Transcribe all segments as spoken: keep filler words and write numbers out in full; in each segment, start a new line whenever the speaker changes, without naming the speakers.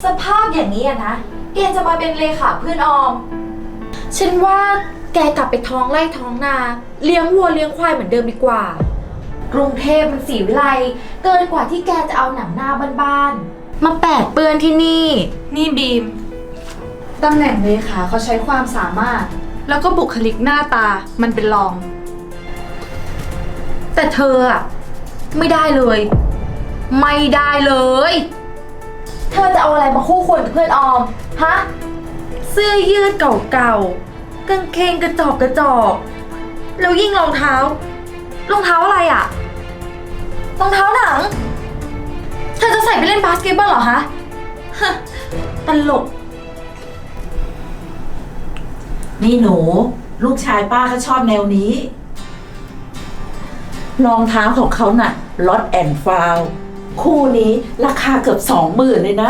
สภาพอย่างนี้อะนะแกจะมาเป็นเลขาเพื่อนออมฉันว่าแกกลับไปท้องไร่ท้องนาเลี้ยงวัวเลี้ยงควายเหมือนเดิมดีกว่ากรุงเทพมันสีวิไลเกินกว่าที่แกจะเอาหนังหน้าบ้านๆมาแปดเปื้อนที่นี่
นี่บีมตำแหน่งเลขาเขาใช้ความสามารถแล้วก็บุคลิกหน้าตามันเป็นรอง
แต่เธออะไม่ได้เลยไม่ได้เลยเธอจะเอาอะไรมาคู่ควรกับเพื่อนออมฮะเสื้อยืดเก่าๆกางเกงกระจอกกระจอกแล้วยิ่งรองเท้ารองเท้าอะไรอะรองเท้าหนังเธอจะใส่ไปเล่นบาสเกตบอลเหรอฮะฮะตลก
นี่หนูลูกชายป้าเขาชอบแนวนี้รองเท้าของเขาน่ะลอตแอนด์ฟาวคู่นี้ราคาเกือบสองหมื่นเลยนะ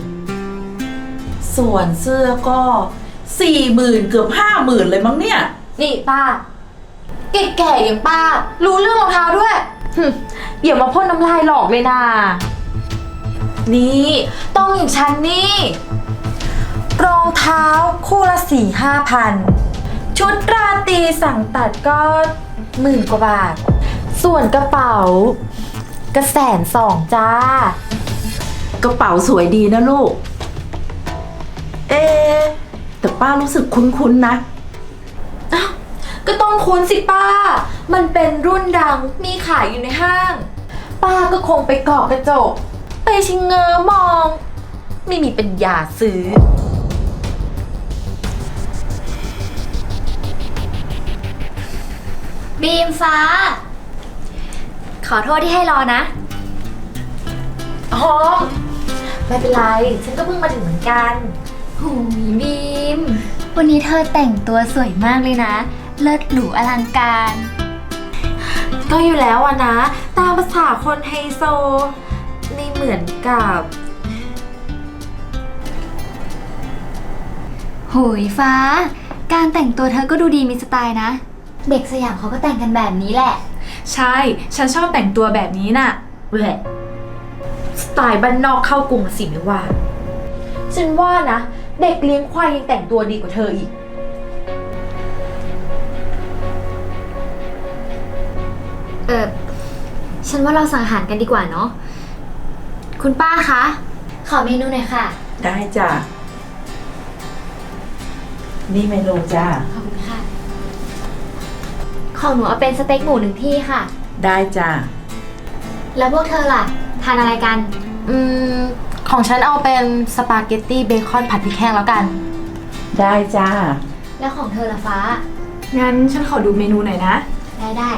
ส่วนเสื้อก็สี่หมื่นเกือบห้าหมื่นเลยมั้งเนี่ย
นี่ป้าแก่ๆอย่างป้ารู้เรื่องรองเท้าด้วยอย่ามาพ่นน้ำลายหลอกเลยนะนี่ต้องอย่างฉันนี่รองเท้าคู่ละสี่ห้าพันชุดราตรีสั่งตัดก็หมื่นกว่าบาทส่วนกระเป๋าก็แสนสองจ้าก
ระเป๋าสวยดีนะลูกเอ๊แต่ป้ารู้สึกคุ้นๆนะ
อ้าวก็ต้องคุ้นสิป้ามันเป็นรุ่นดังมีขายอยู่ในห้างป้าก็คงไปเกาะกระจกไปชิงเงอมองไม่มีปัญญาซื้อ
บีมฟ้าขอโทษที่ให้รอนะ
อ๋อไม่เป็นไรฉันก็เพิ่งมาถึงเหมือนกัน
หูยบีมวันนี้เธอแต่งตัวสวยมากเลยนะเลิศหรูอลังการ
ก็อยู่แล้วอะนะตามภาษาคนไฮโซไม่เหมือนกับ
โหยฟ้าการแต่งตัวเธอก็ดูดีมีสไตล์นะเด็กสยามเขาก็แต่งกันแบบนี้แหละ
ใช่ฉันชอบแต่งตัวแบบนี้น่ะ
แหละสไตล์บ้านนอกเข้ากรุงสิไม่ว่าฉันว่านะเด็กเลี้ยงควายยังแต่งตัวดีกว่าเธออีก
เออฉันว่าเราสั่งอาหารกันดีกว่าเนาะคุณป้าคะขอเมนูหน่อยค่ะ
ได้จ้ะนี่เมนูจ้ะ
ขอบคุณค่ะของหนูเอาเป็นสเต็กหมูหนึ่งที่ค่ะ
ได้จ้ะ
แล้วพวกเธอล่ะทานอะไรกัน
อืมของฉันเอาเป็นสปาเกตตี้เบคอนผัดพริกแห้งแล้วกัน
ได้จ้า
แล้วของเธอล่ะฟ้า
งั้นฉันขอดูเมนูหน่อยนะ
ได้ได้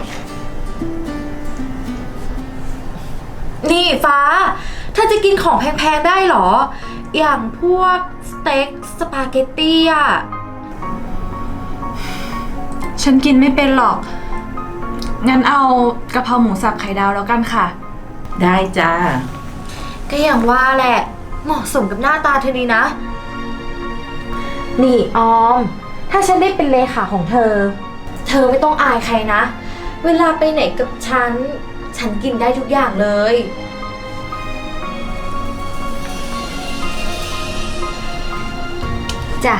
นี่ฟ้าเธอจะกินของแพงๆได้หรออย่างพวกสเต็กสปาเกตตี้อ่ะ
ฉันกินไม่เป็นหรอกงั้นเอากะเพราหมูสับไข่ดาวแล้วกันค่ะ
ได้จ้า
ก็อย่างว่าแหละเหมาะสมกับหน้าตาเธอดีนะนี่ออมถ้าฉันได้เป็นเลขาของเธอเธอไม่ต้องอายใครนะเวลาไปไหนกับฉันฉันกินได้ทุกอย่างเลย
จ้ะ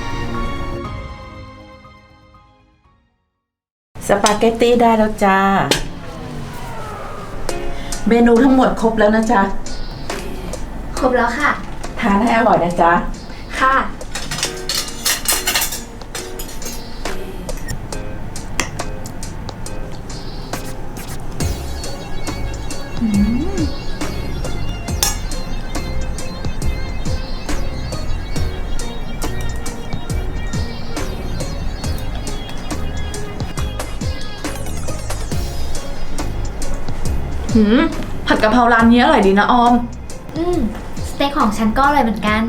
สปาเกตตี้ได้แล้วจ้าเมนูทั้งหมดครบแล้วนะจ๊ะ
ครบแล้วค่ะ
ทานให้อร่อยนะจ๊ะ
ค่ะอืม
หืมผัดกะเพราร้านนี้อร่อยดีนะออม
อืมสเต็กของฉันก็อร่อยเหมือนกัน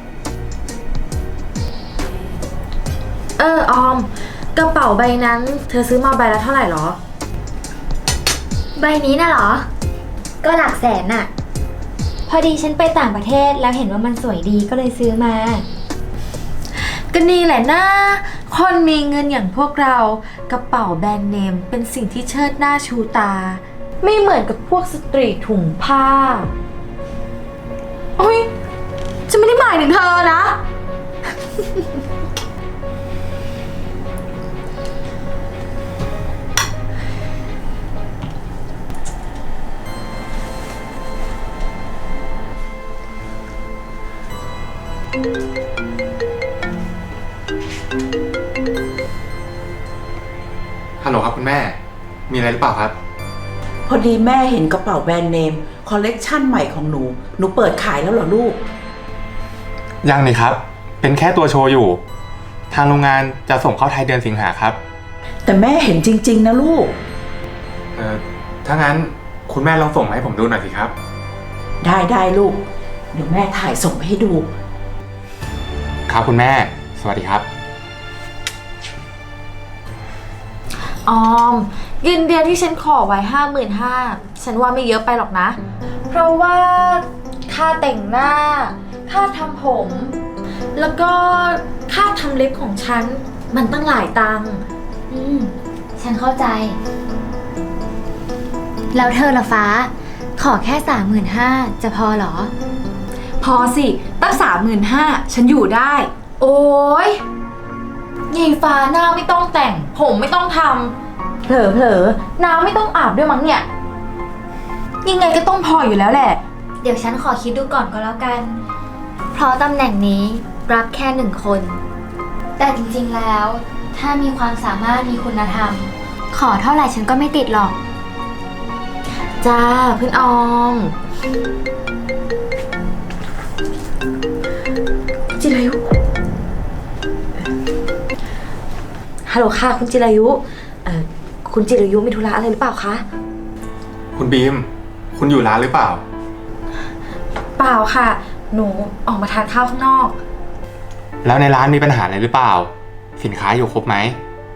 เออออมกระเป๋าใบนั้นเธอซื้อมาใบละเท่าไหร่หรอ
ใบนี้น่ะเหรอก็หลักแสนน่ะพอดีฉันไปต่างประเทศแล้วเห็นว่ามันสวยดีก็เลยซื้อมา
ก็นี่แหละนะคนมีเงินอย่างพวกเรากระเป๋าแบรนด์เนมเป็นสิ่งที่เชิดหน้าชูตาไม่เหมือนกับพวกสตรีทถุงผ้าโอ๊ยจะายถึงเธอนะ
ฮัลโหลครับคุณแม่ มีอะไรหรือเปล่าครับ
พอดีแม่เห็นกระเป๋าแบรนด์เนมคอลเลกชันใหม่ของหนู หนูเปิดขายแล้วเหรอลูก
ยังเลยครับ เป็นแค่ตัวโชว์อยู่ ทางโรงงานจะส่งเข้าไทยเดือนสิงหาครับ
แต่แม่เห็นจริงๆนะลูก
เออถ้างั้นคุณแม่ลองส่งมาให้ผมดูหน่อยสิครับ
ได้ได้ลูก เดี๋ยวแม่ถ่ายส่งไปให้ดู
ครับคุณแม่ สวัสดีครับ
ออมเงินเดือนที่ฉันขอไว้ห้าหมื่นห้าฉันว่าไม่เยอะไปหรอกนะ เพราะว่าค่าแต่งหน้า ค่าทำผม แล้วก็ค่าทำเล็บของฉัน มันตั้งหลายตังค์
อืม ฉันเข้าใจ แล้วเธอละฟ้า ขอแค่สามหมื่นห้าจะพอเหรอ
พอสิ ตั้งสามหมื่นห้าฉันอยู่ได้
โอ้ยยายฟ้าหน้าไม่ต้องแต่ง ผมไม่ต้องทำเผลอเผลอๆน้ำไม่ต้องอาบด้วยมั้งเนี่ย ยังไงก็ต้องพออยู่แล้วแหละ
เดี๋ยวฉันขอคิดดูก่อนก็แล้วกัน เพราะตำแหน่งนี้รับแค่หนึ่งคน แต่จริงๆแล้ว ถ้ามีความสามารถมีคุณธรรม ขอเท่าไหร่ฉันก็ไม่ติดหรอก
จ้าเพื่อนออม จิรายุ ฮัลโหลค่ะคุณจิรายุเอ่อคุณจิรายุมีธุระอะไรหรือเปล่าคะ
คุณบีม คุณอยู่ร้านหรือเปล่า
เปล่าค่ะ หนูออกมาทานข้าวข้างนอก
แล้วในร้านมีปัญหาอะไรหรือเปล่า สินค้าอยู่ครบไหม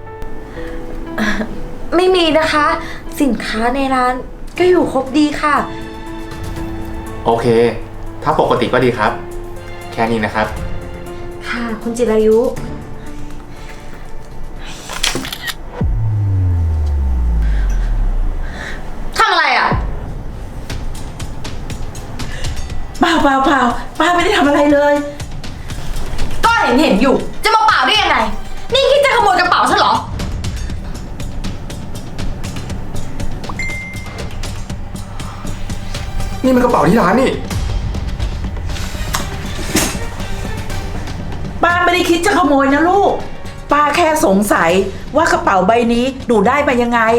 ไม่มีนะคะ สินค้าในร้านก็อยู่ครบดีค่ะ
โอเค ถ้าปกติก็ดีครับ แค่นี้นะครับ
ค่ะ คุณจิรายุ ทำอะไรอ่ะ
เปล่าเปล่าเปล่าป้าไม่ได้ทำอะไรเลย
ก็เห็นเห็นอยู่ จะมาเปล่าได้ยังไง นี่คิดจะขโมยกระเป๋าฉันเหรอ
นี่มันกระเป๋าที่ร้านนี่
ป้าไม่ได้คิดจะขโมยนะลูก ป้าแค่สงสัยว่ากระเป๋าใบนี้หนูได้มายังไง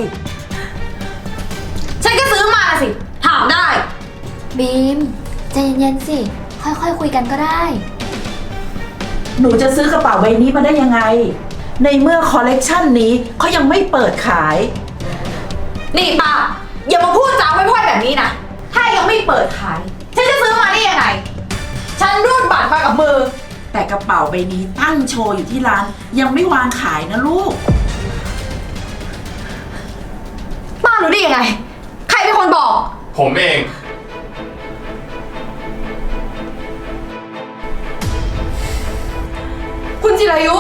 ฉันก็ซื้อมาสิ ถามได้
บีมใจเย็นๆสิ ค่อยๆคุยกันก็ได้
หนูจะซื้อกระเป๋าใบนี้มาได้ยังไง ในเมื่อคอลเลกชันนี้เขายังไม่เปิดขาย
นี่ป้าอย่ามาพูดจาพร่อยๆแบบนี้นะ ถ้ายังไม่เปิดขาย ฉันจะซื้อมาได้ยังไง ฉันรูดบัตรมากับมือ
แต่กระเป๋าใบนี้ตั้งโชว์อยู่ที่ร้านยังไม่วางขายนะลูก
ป้ารู้ได้ยังไง ใครเป็นคนบอก
ผมเอง
คุณจิรายุ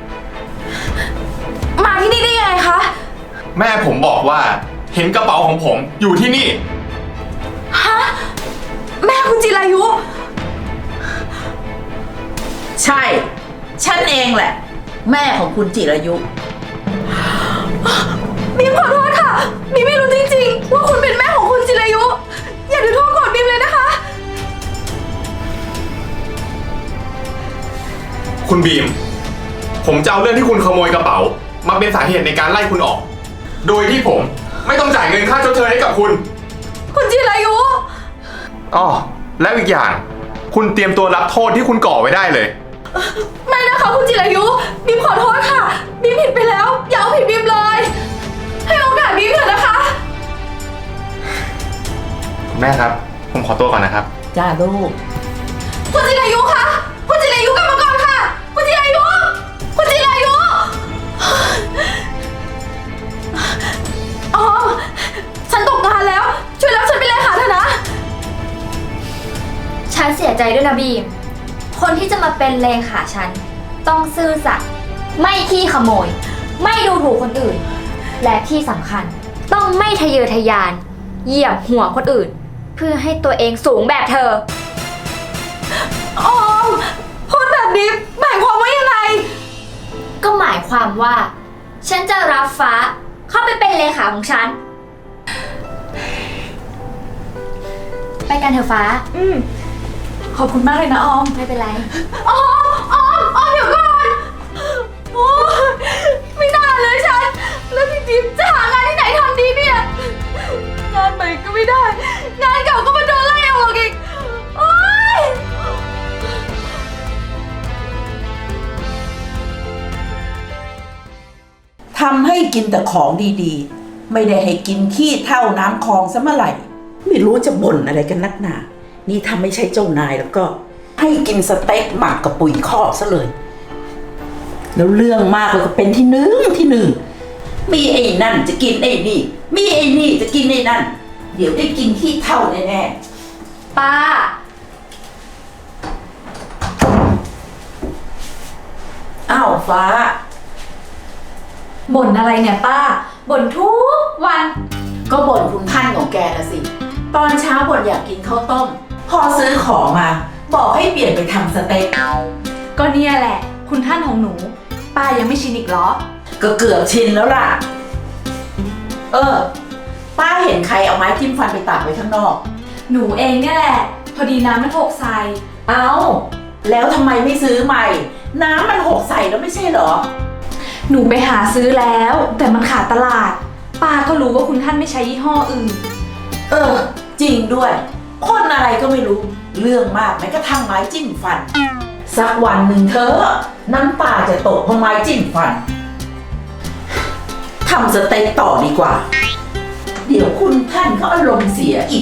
มาที่นี่ได้ยังไงคะ
แม่ผมบอกว่า เห็นกระเป๋าของผมอยู่ที่นี่
ฮะ แม่คุณจิรายุ
ใช่ ฉันเองแหละ แม่ของคุณจิรายุ
บีมขอโทษค่ะบีมไม่รู้จริงๆ ว่าคุณเป็นแม่ของคุณจิรายุ อย่าถือโทษโกรธบีมเลยนะคะ
คุณบีม ผมจะเอาเรื่องที่คุณขโมยกระเป๋า มาเป็นสาเหตุในการไล่คุณออก โดยที่ผมไม่ต้องจ่ายเงินค่าชดเชยให้กับคุณ
คุณจิรายุ
อ้อแล้วอีกอย่าง คุณเตรียมตัวรับโทษที่คุณก่อไว้ได้เลย
ไม่นะคะคุณจิรายุบีมขอโทษค่ะบีมผิดไปแล้ว อย่าเอาผิดบีมเลย ให้โอกาสบีมเถอะนะคะ
คุณแม่ครับ ผมขอตัวก่อนนะครับ
จ้าลูก
คุณจิรายุคะคุณจิรายุกลับมาก่อนค่ะ คุณจิรายุ คุณจิรายุอ๋อฉันตกงานแล้ว ช่วยรับฉันไปเลยค่ะเถอะนะ
ฉันเสียใจด้วยนะบีม คนที่จะมาเป็นเลขาฉัน ต้องซื่อสัตย์ไม่ขี้ขโมย ไม่ดูถูกคนอื่น และที่สำคัญ ต้องไม่ทะเยอทะยาน เหยียบหัวคนอื่น เพื่อให้ตัวเองสูงแบบเธอ
ออม
ความว่า ฉันจะรับฟ้าเข้าไปเป็นเลขาของฉัน ไปกันเถอะฟ้า
อืม ขอบคุณมากเลยนะออม
ไม่เป็นไร
ออมออมออมเดี๋ยวก่อนโอ้ยไม่น่าเลยฉัน แล้วพี่จิ๊บจะหางานที่ไหนทำดีเนี่ย งานใหม่ก็ไม่ได้ งานเก่าก็มาโดนไล่ออกอีกโอ๊ย
ทำให้กินแต่ของดีๆ ไม่ได้ให้กินขี้เท่าน้ำคลองซะเมื่อไหร่ ไม่รู้จะบ่นอะไรกันนักหนา นี่ถ้าไม่ใช่เจ้านายแล้วก็ ให้กินสเต็กหมักกับปุ๋ยคอกซะเลย แล้วเรื่องมากแล้วก็เป็นที่หนึ่งที่หนึ่ง มีไอ้นั่นจะกินไอ้นี่ มีไอ้นี่จะกินไอ้นั่น เดี๋ยวได้กินขี้เท่าแน่ๆ
ป้า
อ้าวฟ้า
บ่นอะไรเนี่ยป้า บ่นทุกวัน
ก็บ่นคุณท่านของแกนะสิ ตอนเช้าบ่นอยากกินข้าวต้ม พอซื้อของมา บอกให้เปลี่ยนไปทำสเต็ก
ก็เนี่ยแหละ คุณท่านของหนู ป้ายังไม่ชินอีกเหรอ
ก็เกือบชินแล้วล่ะ เออ ป้าเห็นใครเอาไม้จิ้มฟันไปตากไว้ข้างนอก
หนูเองเนี่ยแหละ พอดีน้ำมันหกใส่
เอาแล้วทำไมไม่ซื้อใหม่ น้ำมันหกใส่แล้วไม่ใช่เหรอ
หนูไปหาซื้อแล้ว แต่มันขาดตลาด ป้าก็รู้ว่าคุณท่านไม่ใช้ยี่ห้ออื่น
เออ จริงด้วย คนอะไรก็ไม่รู้ เรื่องมากแม้กระทั่งไม้จิ้มฟัน สักวันหนึ่งเธอ น้ำตาจะตกเพราะไม้จิ้มฟันทำสเต็กต่อดีกว่า เดี๋ยวคุณท่านเขาอารมณ์เสียอีก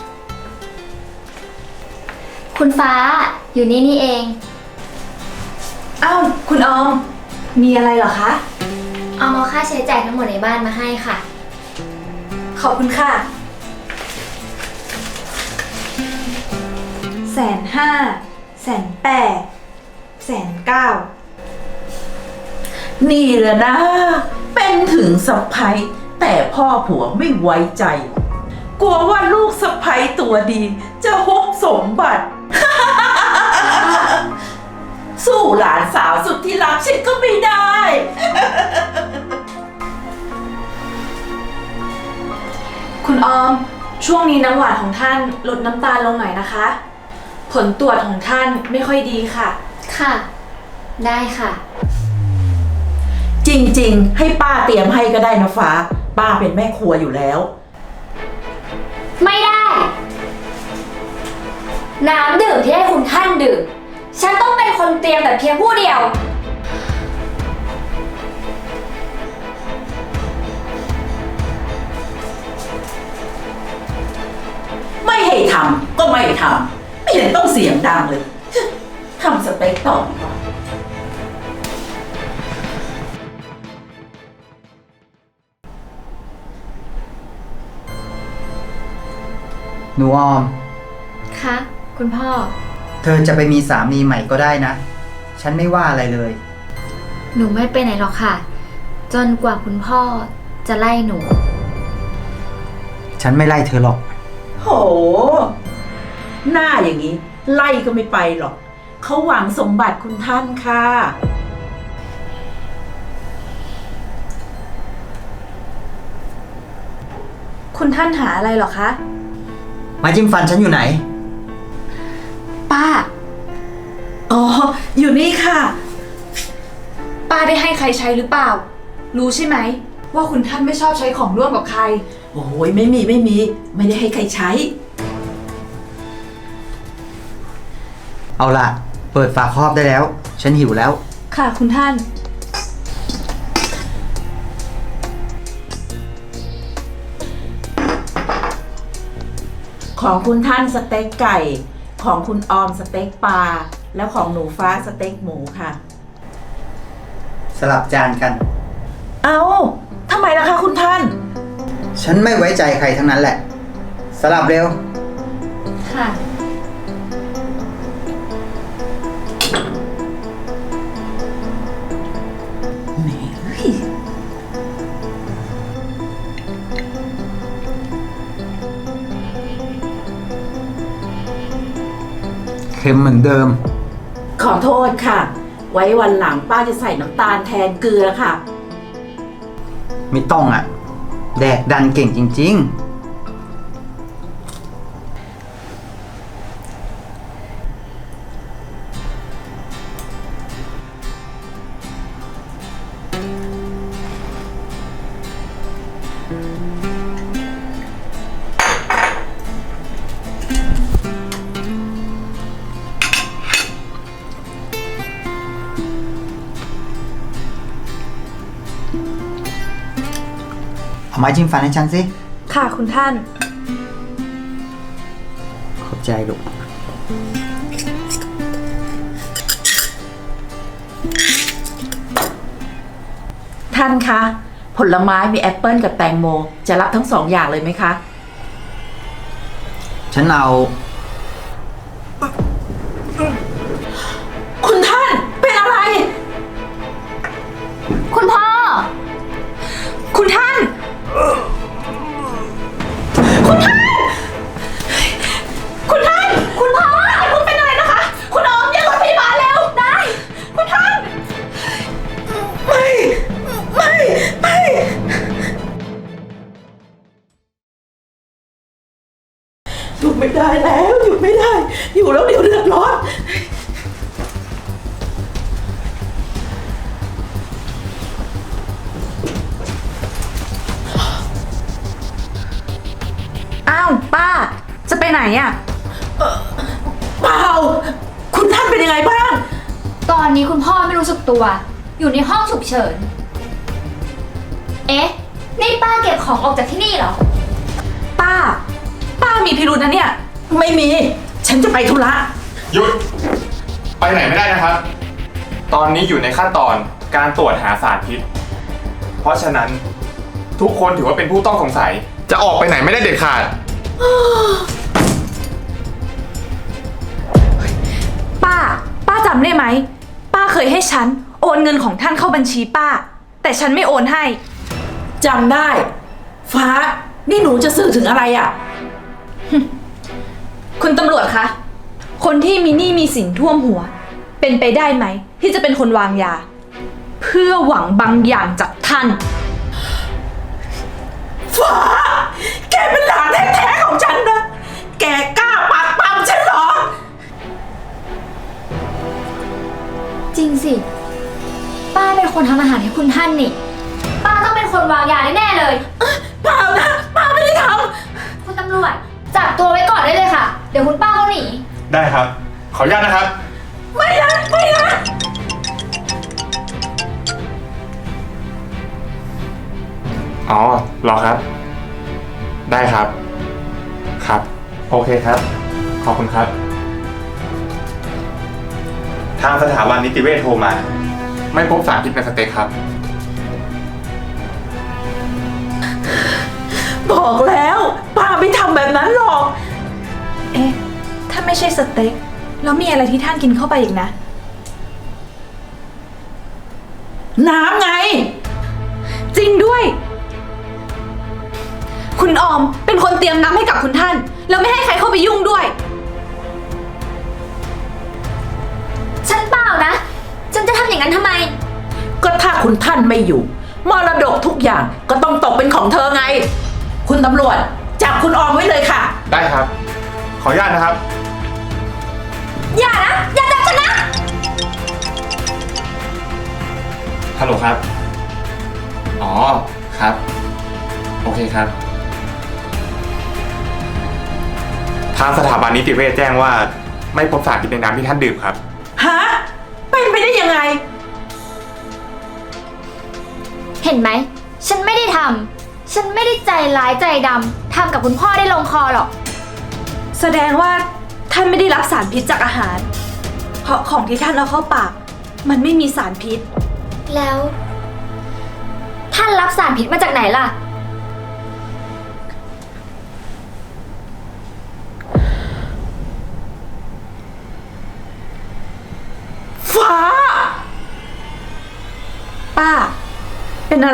คุณฟ้าอยู่นี่นี่เอง
อ้าว คุณออม มีอะไรเหรอคะ
เอามาค่าใช้จ่ายทั้งหมดในบ้านมาให้ค่ะ
ขอบคุณค่ะ แสนห้า แสนแปด แสนเก้า
นี่แหละนะ เป็นถึงสะใภ้แต่พ่อผัวไม่ไว้ใจ กลัวว่าลูกสะใภ้ตัวดี จะฮุบสมบัติ สู้หลานสาวสุดที่รักฉันก็ไม่ได้
คุณออม ช่วงนี้น้ำหวานของท่านลดน้ำตาลลงหน่อยนะคะ ผลตรวจของท่านไม่ค่อยดีค่ะ
ค่ะ ได้ค่ะ
จริงๆ ให้ป้าเตรียมให้ก็ได้นะฟ้า ป้าเป็นแม่ครัวอยู่แล้ว
ไม่ได้ น้ำดื่มที่ให้คุณท่านดื่ม ฉันต้องเป็นคนเตรียมแต่เพียงผู้เดียว
ไม่ให้ทำก็ไม่ทำไม่เห็นต้องเสียงดังเลย ทำสเต็กต่อดีกว่า
หนูออม
คะ คุณพ่อ
เธอจะไปมีสามีใหม่ก็ได้นะ ฉันไม่ว่าอะไรเลย
หนูไม่ไปไหนหรอกค่ะ จนกว่าคุณพ่อจะไล่หนู
ฉันไม่ไล่เธอหรอก
โห หน้าอย่างนี้ ไล่ก็ไม่ไปหรอก เขาหวังสมบัติคุณท่านค่ะ
คุณท่านหาอะไรเหรอคะ
ไม้จิ้มฟันฉันอยู่ไหน
ป้า
อ๋อ อยู่นี่ค่ะ
ป้าได้ให้ใครใช้หรือเปล่า รู้ใช่ไหม ว่าคุณท่านไม่ชอบใช้ของร่วมกับใคร
โอ้ยไม่มีไม่มี ไม่ได้ให้ใครใช้
เอาล่ะ เปิดฝาครอบได้แล้ว ฉันหิวแล้ว
ค่ะคุณท่าน
ของคุณท่านสเต็กไก่ ของคุณออมสเต็กปลา แล้วของหนูฟ้าสเต็กหมูค่ะ
สลับจานกัน
เอาทำไมล่ะคะคุณท่าน
ฉันไม่ไว้ใจใครทั้งนั้นแหละ สลับเร็ว
ค่ะ
เค็มเหมือนเดิม
ขอโทษค่ะไว้วันหลังป้าจะใส่น้ำตาลแทนเกลือค่ะ
ไม่ต้องอ่ะ แดกดันเก่งจริง ๆ เอาไม้จิ้มฟันให้ฉันสิ
ค่ะคุณท่าน
ขอบใจลูก
ท่านคะ ผลไม้มีแอปเปิลกับแตงโม จะรับทั้งสองอย่างเลยไหมคะ
ฉันเอา
คุณท่านเป็นอะไร
คุณพ่อ คุณท่าน คุณท่าน คุณท่าน คุณพ่อคุณเป็นอะไรนะคะ คุณออมเรียกรถพยาบาลเร็ว ได้ คุณท่าน
ไม่ ไม่ ไม่ อยู่ไม่ได้แล้ว อยู่ไม่ได้ อยู่แล้วเดี๋ยวเดือดร้อน
อ้าว ป้า จะไปไหนอะ
เปล่า คุณท่านเป็นยังไงบ้าง
ตอนนี้คุณพ่อไม่รู้สึกตัว อยู่ในห้องฉุกเฉิน เอ๊ะ นี่ป้าเก็บของออกจากที่นี่เหรอ
ป้า ป้ามีพิรุธนะเนี่ย
ไม่มี ฉันจะไปธุระ
หยุด ไปไหนไม่ได้นะครับ ตอนนี้อยู่ในขั้นตอนการตรวจหาสารพิษ เพราะฉะนั้นทุกคนถือว่าเป็นผู้ต้องสงสัย จะออกไปไหนไม่ได้เด็ดขาด
ป้า ป้าจำได้ไหม ป้าเคยให้ฉันโอนเงินของท่านเข้าบัญชีป้า แต่ฉันไม่โอนให้
จำได้ ฟ้า นี่หนูจะสื่อถึงอะไรอ่ะ
คุณตำรวจคะ คนที่มีหนี้มีสินท่วมหัว เป็นไปได้ไหม ที่จะเป็นคนวางยา เพื่อหวังบางอย่างจากท่าน
ฟ้า แกเป็นหลานแท้ๆของฉันนะ แกกล้าปักปั๊มฉันเหรอ
จริงสิ ป้าเป็นคนทำอาหารให้คุณท่านนี่ ป้าต้องเป็นคนวางยาแน่ๆเลย
เปล่านะ ป้าไม่ได้ท
คุณตำรวจจับตัวไว้ก่อนได้เลยค่ะ เดี๋ยวคุณป้าเขาหนี
ได้ครับ ขออนุญาตนะครับ
ำไม่นะ ไม่นะ
อ๋อเหรอครับ ได้ครับ ครับ โอเคครับ ขอบคุณครับ ทางสถาบันนิติเวชโทรมา ไม่พบสารพิษในสเต็กครับ
บอกแล้ว ป้าไม่ทำแบบนั้นหรอก
เอ๊ะ ถ้าไม่ใช่สเต็ก แล้วมีอะไรที่ท่านกินเข้าไปอีกนะ
น้ำไง
จริงด้วย คุณออมเป็นคนเตรียมน้ำให้กับคุณท่าน แล้วไม่ให้ใครเข้าไปยุ่งด้วย
ฉันเปล่านะ ฉันจะทำอย่างนั้นทำไม
ก็ถ้าคุณท่านไม่อยู่ มรดกทุกอย่างก็ต้องตกเป็นของเธอไง คุณตำรวจ จับคุณออมไว้เลยค่ะ
ได้ครับ ขออนุญาตนะครับ
อย่านะ อย่าจับฉันนะ
ฮัลโหลครับ อ๋อ ครับ โอเคครับ ทางสถาบันนิติเวชแจ้งว่า ไม่พบสารพิษในน้ำที่ท่านดื่มครับ
ฮะ เป็นไปได้ยังไง
เห็นไหม ฉันไม่ได้ทำ ฉันไม่ได้ใจร้ายใจดำทำกับคุณพ่อได้ลงคอหรอก
แสดงว่าท่านไม่ได้รับสารพิษจากอาหาร เพราะของที่ท่านเอาเข้าปาก มันไม่มีสารพิษ
แล้ว ท่านรับสารพิษมาจากไหนล่ะ
ฟ้า
ป้า เป็นอะไร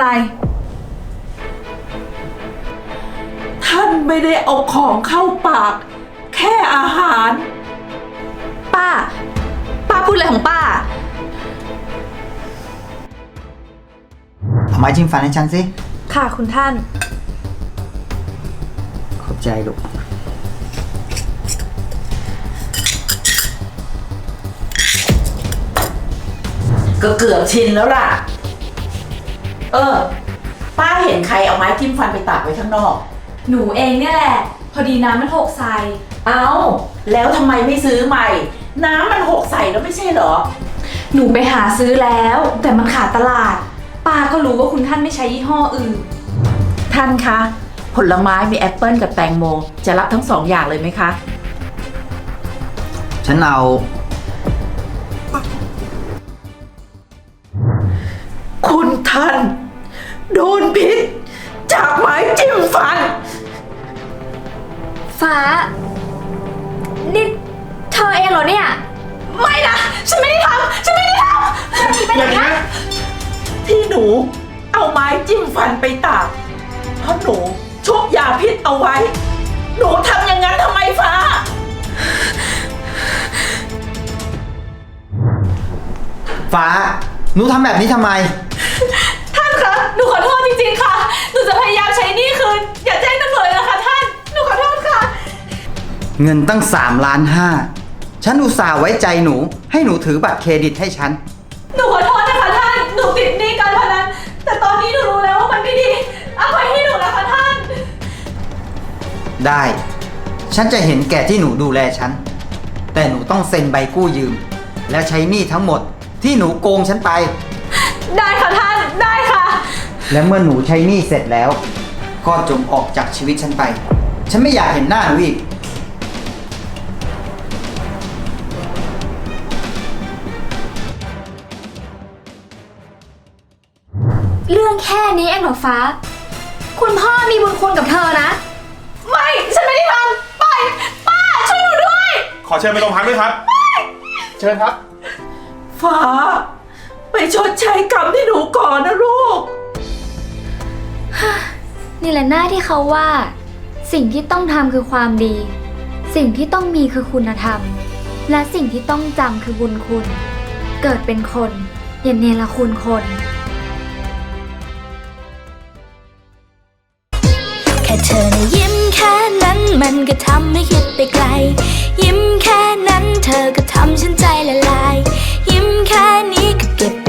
ท่านไม่ได้เอาของเข้าปาก แค่อาหาร
ป้า ป้าพูดอะไรของป้า
เอาไม้จิ้มฟันให้ฉันสิ
ค่ะคุณท่าน
ขอบใจลูก
ก็เกือบชินแล้วล่ะ เออ ป้าเห็นใครเอาไม้จิ้มฟันไปตากไว้ข้างนอก
หนูเองเนี่ยแหละ พอดีน้ำมันหกใส่
เอาแล้วทำไมไม่ซื้อใหม่ น้ำมันหกใส่แล้วไม่ใช่เหรอ
หนูไปหาซื้อแล้ว แต่มันขาดตลาด ป้าก็รู้ว่าคุณท่านไม่ใช้ยี่ห้ออื่น
ท่านคะ ผลไม้มีแอปเปิลกับแตงโม จะรับทั้งสองอย่างเลยไหมคะ
ฉันเอา
คุณท่าน โดนพิษ จากไม้จิ้มฟัน
ฟ้า นี่เธอเองเหรอเนี่ย
ไม่นะ ฉันไม่ได้ทำ ฉันไม่ได้ทำ
อย่างนี้
ที่หนูเอาไม้จิ้มฟันไปตาก เพราะหนูชุบยาพิษเอาไว้ หนูทำอย่างนั้นทำไมฟ้า
ฟ้า หนูทำแบบนี้ทำไม
ท่านคะ หนูขอโทษจริงๆค่ะ หนูจะพยายามใช้หนี้คืน อย่าแจ้งตำรวจเลยนะคะท่าน หนูขอโทษค่ะ
เงินตั้งสามล้านห้า ฉันอุตส่าห์ไว้ใจหนู ให้หนูถือบัตรเครดิตให้ฉัน
หนูขอโทษนะคะท่าน หนูติดหนี้การพนัน แต่ตอนนี้หนูรู้แล้วว่ามันไม่ดีอภัยให้หนูนะคะท่าน
ได้ ฉันจะเห็นแก่ที่หนูดูแลฉัน แต่หนูต้องเซ็นใบกู้ยืม และใช้หนี้ทั้งหมดที่หนูโกงฉันไป
ได้ค่ะท่าน ได้ค่ะ
และเมื่อหนูใช้หนี้เสร็จแล้ว ก็จงออกจากชีวิตฉันไป ฉันไม่อยากเห็นหน้าหนูอีก
เรื่องแค่นี้เองเหรอฟ้า คุณพ่อมีบุญคุณกับเธอนะ
ไม่ ฉันไม่ได้ทำไป ป้า ช่วยหนูด้วย
ขอเชิญไปโรงพักด้วยครับ เชิญครับ
ฟ้า ไปชดใช้กรรมที่หนูก่อนนะลูก
นี่แหละหน้าที่เขาว่า สิ่งที่ต้องทำคือความดี สิ่งที่ต้องมีคือคุณธรรม และสิ่งที่ต้องจำคือบุญคุณ เกิดเป็นคนอย่าเนรคุณคน
แค่เธอนะยิ้มแค่นั้นมันก็ทำให้คิดไปไกล ยิ้มแค่